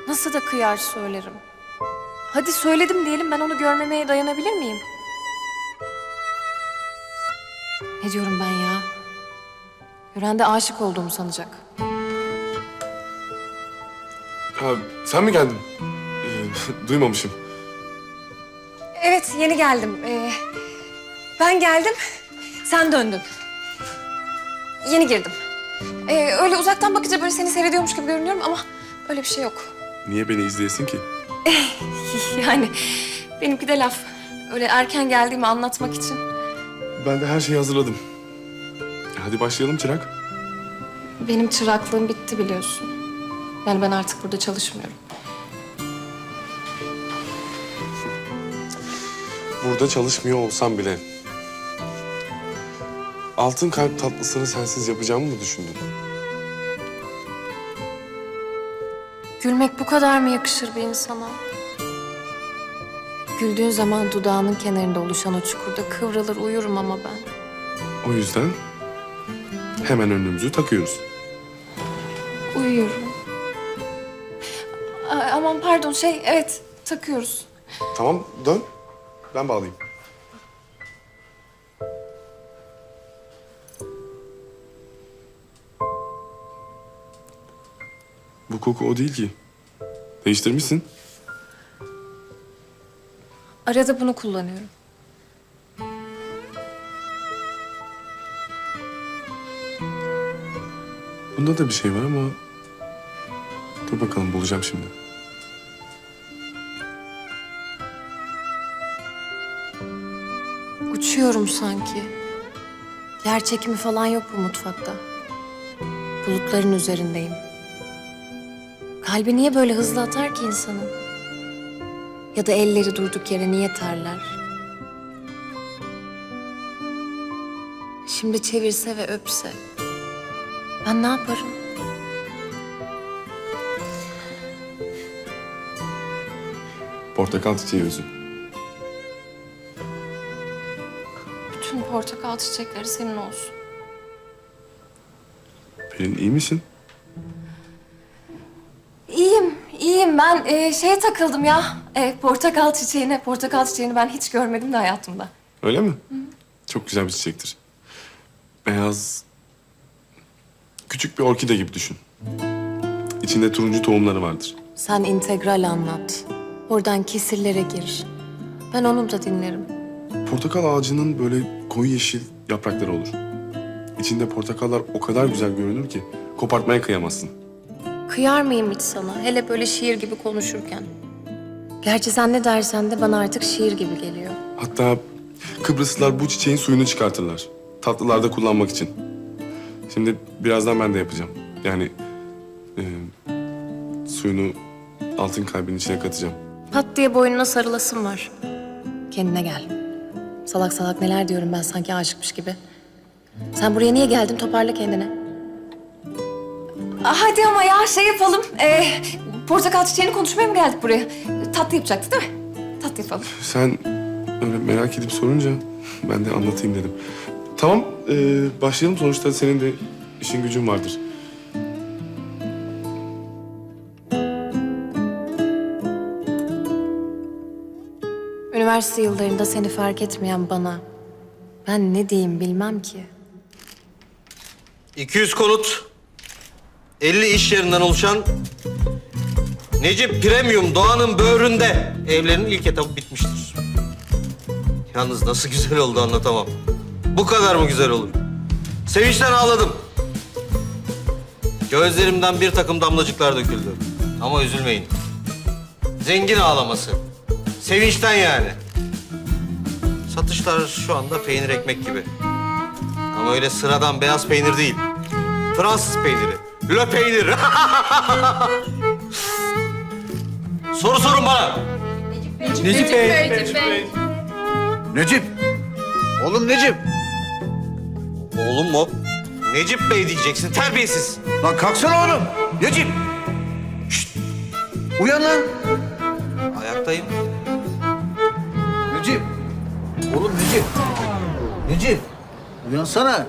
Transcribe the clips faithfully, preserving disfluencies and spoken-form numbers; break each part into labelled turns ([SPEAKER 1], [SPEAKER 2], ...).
[SPEAKER 1] Nasıl da kıyar söylerim. Hadi söyledim diyelim, ben onu görmemeye dayanabilir miyim? Ne diyorum ben ya? Gören de aşık olduğumu sanacak.
[SPEAKER 2] Ha, sen mi geldin? Ee, duymamışım.
[SPEAKER 1] Evet, yeni geldim. Ee, ben geldim, sen döndün. Yeni girdim. Ee, öyle uzaktan bakınca böyle seni seyrediyormuş gibi görünüyorum ama öyle bir şey yok.
[SPEAKER 2] Niye beni izleyesin ki?
[SPEAKER 1] Yani benimki de laf. Öyle erken geldiğimi anlatmak için.
[SPEAKER 2] Ben de her şeyi hazırladım. Hadi başlayalım Çırak.
[SPEAKER 1] Benim çıraklığım bitti biliyorsun. Yani ben artık burada çalışmıyorum.
[SPEAKER 2] Burada çalışmıyor olsam bile... Altın kalp tatlısını sensiz yapacağımı mı düşündün?
[SPEAKER 1] Gülmek bu kadar mı yakışır bir insana? Güldüğün zaman dudağının kenarında oluşan o çukurda kıvrılır uyurum ama ben.
[SPEAKER 2] O yüzden hemen önlüğümüzü takıyoruz.
[SPEAKER 1] Uyuyorum. Aa, aman pardon şey evet takıyoruz.
[SPEAKER 2] Tamam dön. Ben bağlayayım. Bu koku o değil ki. Değiştirmişsin.
[SPEAKER 1] Arada bunu kullanıyorum.
[SPEAKER 2] Bunda da bir şey var ama... Dur bakalım bulacağım şimdi.
[SPEAKER 1] Uçuyorum sanki. Yer çekimi falan yok bu mutfakta. Bulutların üzerindeyim. Kalbi niye böyle hızlı atar ki insanın? Ya da elleri durduk yere niye terler? Şimdi çevirse ve öpse. Ben ne yaparım?
[SPEAKER 2] Portakal çiçeği özü.
[SPEAKER 1] Bütün portakal çiçekleri senin olsun.
[SPEAKER 2] Pelin iyi misin?
[SPEAKER 1] İyiyim, iyiyim. Ben e, şeye takıldım ya. E, portakal çiçeğine. Portakal çiçeğini ben hiç görmedim de hayatımda.
[SPEAKER 2] Öyle mi? Hı. Çok güzel bir çiçektir. Beyaz... Küçük bir orkide gibi düşün. İçinde turuncu tohumları vardır.
[SPEAKER 1] Sen integral anlat. Oradan kesirlere gir. Ben onu da dinlerim.
[SPEAKER 2] Portakal ağacının böyle koyu yeşil yaprakları olur. İçinde portakallar o kadar güzel görünür ki kopartmaya kıyamazsın.
[SPEAKER 1] Kıyar mıyım hiç sana? Hele böyle şiir gibi konuşurken. Gerçi sen ne dersen de bana artık şiir gibi geliyor.
[SPEAKER 2] Hatta Kıbrıslılar bu çiçeğin suyunu çıkartırlar. Tatlılarda kullanmak için. Şimdi birazdan ben de yapacağım. Yani e, suyunu altın kalbin içine katacağım.
[SPEAKER 1] Pat diye boynuna sarılasın var. Kendine gel. Salak salak neler diyorum ben sanki aşıkmış gibi. Sen buraya niye geldin? Toparla kendini. Aa, hadi ama ya şey yapalım. Ee, portakal çiçeğini konuşmaya mı geldik buraya? Tatlı yapacaktık değil mi? Tatlı yapalım.
[SPEAKER 2] Sen öyle merak edip sorunca ben de anlatayım dedim. Tamam, e, başlayalım. Sonuçta senin de işin gücün vardır.
[SPEAKER 1] Üniversite yıllarında seni fark etmeyen bana ben ne diyeyim bilmem ki.
[SPEAKER 3] iki yüz konut, elli iş yerinden oluşan Necip Premium Doğan'ın böğründe evlerinin ilk etabı bitmiştir. Yalnız nasıl güzel oldu anlatamam. Bu kadar mı güzel olur? Sevinçten ağladım. Gözlerimden bir takım damlacıklar döküldü. Ama üzülmeyin. Zengin ağlaması. Sevinçten yani. Satışlar şu anda peynir ekmek gibi. Ama öyle sıradan beyaz peynir değil. Fransız peyniri. Le peynir. Soru sorun bana.
[SPEAKER 4] Necip Bey. Necip Bey. Necip. Oğlum Necip.
[SPEAKER 3] Oğlum mu? Necip Bey diyeceksin, terbiyesiz.
[SPEAKER 4] Lan kalksana oğlum. Necip. Şşt. Uyan lan.
[SPEAKER 3] Ayaktayım.
[SPEAKER 4] Necip. Oğlum Necip. Necip. Uyansana.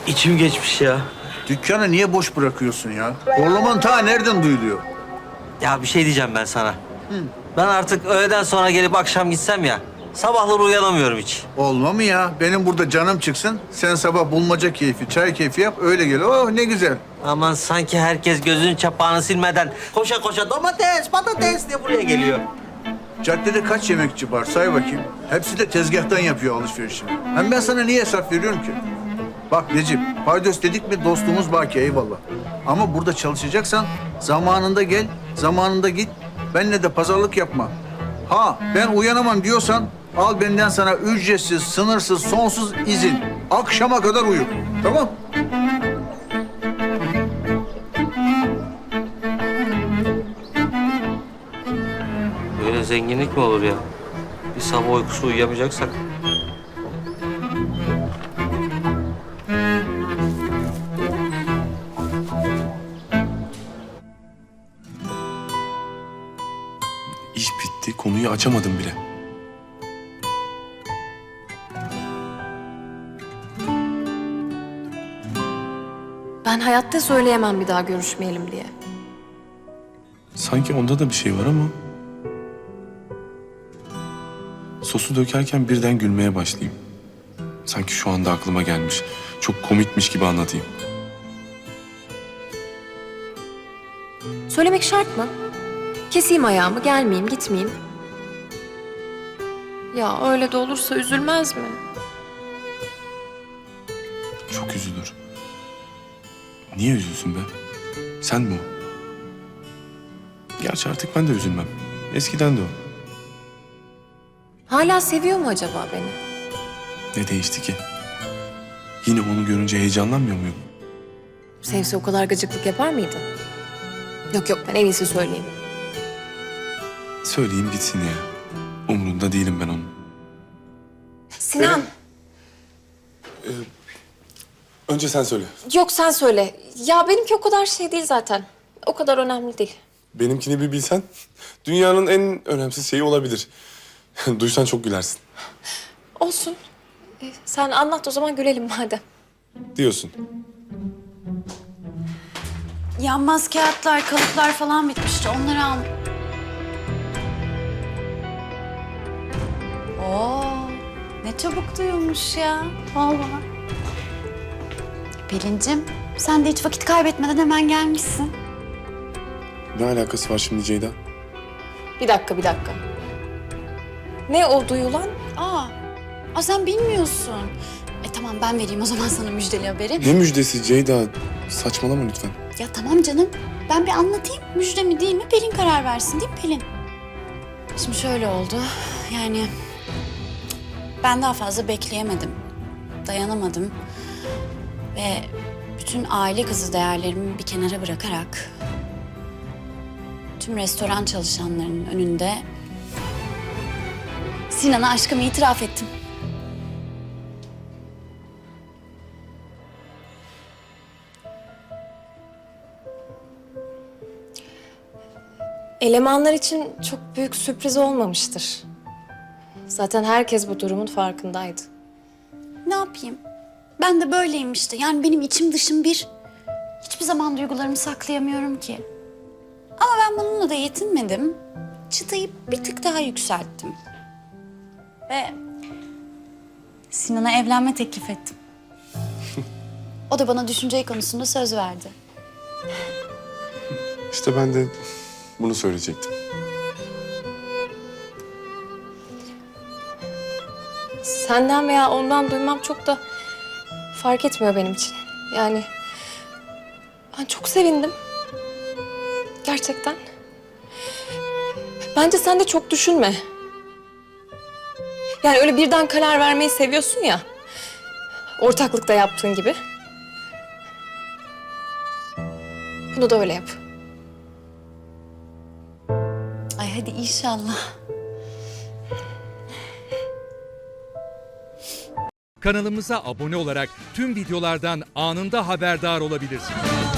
[SPEAKER 3] İçim geçmiş ya.
[SPEAKER 4] Dükkanı niye boş bırakıyorsun ya? Horlaman ta nereden duyuluyor?
[SPEAKER 3] Ya bir şey diyeceğim ben sana. Ben artık öğleden sonra gelip akşam gitsem ya. Sabahları uyanamıyorum hiç.
[SPEAKER 4] Olma mı ya? Benim burada canım çıksın. Sen sabah bulmaca keyfi, çay keyfi yap. Öyle gel. Oh ne güzel.
[SPEAKER 3] Aman sanki herkes gözünün çapağını silmeden koşa koşa domates, patates diye buraya geliyor.
[SPEAKER 4] Caddede kaç yemekçi var say bakayım. Hepsi de tezgahtan yapıyor alışverişini. Hem ben sana niye hesap veriyorum ki? Bak Necip, paydos dedik mi dostluğumuz baki eyvallah. Ama burada çalışacaksan zamanında gel, zamanında git. Benle de pazarlık yapma. Ha ben uyanamam diyorsan al benden sana ücretsiz, sınırsız, sonsuz izin. Akşama kadar uyu. Tamam?
[SPEAKER 3] Böyle zenginlik mi olur ya? Bir sabah uykusu uyuyamayacaksak.
[SPEAKER 2] İş bitti, konuyu açamadım bile.
[SPEAKER 1] Ben hayatta söyleyemem bir daha görüşmeyelim diye.
[SPEAKER 2] Sanki onda da bir şey var ama... Sosu dökerken birden gülmeye başlayayım. Sanki şu anda aklıma gelmiş. Çok komikmiş gibi anlatayım.
[SPEAKER 1] Söylemek şart mı? Keseyim ayağımı, gelmeyeyim, gitmeyeyim. Ya öyle de olursa üzülmez mi?
[SPEAKER 2] Çok üzülür. Niye üzülsün be? Sen mi o? Gerçi artık ben de üzülmem. Eskiden de o.
[SPEAKER 1] Hala seviyor mu acaba beni?
[SPEAKER 2] Ne değişti ki? Yine onu görünce heyecanlanmıyor muyum?
[SPEAKER 1] Sevse o kadar gıcıklık yapar mıydı? Yok yok, ben en iyisi söyleyeyim.
[SPEAKER 2] Söyleyeyim gitsin ya. Umurunda değilim ben onun.
[SPEAKER 1] Sinan,
[SPEAKER 2] Önce sen söyle.
[SPEAKER 1] yok sen söyle. Ya benimki o kadar şey değil zaten. O kadar önemli değil.
[SPEAKER 2] Benimkini bir bilsen dünyanın en önemsiz şeyi olabilir. Duysan çok gülersin.
[SPEAKER 1] Olsun. Ee, sen anlat o zaman, gülelim madem.
[SPEAKER 2] Diyorsun.
[SPEAKER 5] Yanmaz kağıtlar, kalıplar falan bitmişti. Onları al. Oo, ne çabuk duyulmuş ya. Vallahi. Pelin'cim, sen de hiç vakit kaybetmeden hemen gelmişsin.
[SPEAKER 2] Ne alakası var şimdi Ceyda?
[SPEAKER 1] Bir dakika, bir dakika. Ne o duyulan?
[SPEAKER 5] Aa, aa sen bilmiyorsun. E tamam ben vereyim o zaman sana müjdeli haberi.
[SPEAKER 2] Ne müjdesi Ceyda? Saçmalama lütfen.
[SPEAKER 5] Ya tamam canım. Ben bir anlatayım. Müjde mi değil mi Pelin karar versin değil mi Pelin? Şimdi şöyle oldu. Yani ben daha fazla bekleyemedim. Dayanamadım. Ve bütün aile kızı değerlerimi bir kenara bırakarak tüm restoran çalışanlarının önünde Sinan'a aşkımı itiraf ettim.
[SPEAKER 1] Elemanlar için çok büyük sürpriz olmamıştır. Zaten herkes bu durumun farkındaydı.
[SPEAKER 5] Ne yapayım? Ben de böyleyim işte. Yani benim içim dışım bir. Hiçbir zaman duygularımı saklayamıyorum ki. Ama ben bununla da yetinmedim. Çıtayı bir tık daha yükselttim. Ve Sinan'a evlenme teklif ettim. O da bana düşünce konusunda söz verdi.
[SPEAKER 2] İşte ben de bunu söyleyecektim.
[SPEAKER 1] Senden veya ondan duymam çok da fark etmiyor benim için. Yani ben çok sevindim. Gerçekten. Bence sen de çok düşünme. Yani öyle birden karar vermeyi seviyorsun ya. Ortaklıkta yaptığın gibi. Bunu da öyle yap.
[SPEAKER 5] Ay hadi inşallah.
[SPEAKER 6] Kanalımıza abone olarak tüm videolardan anında haberdar olabilirsiniz.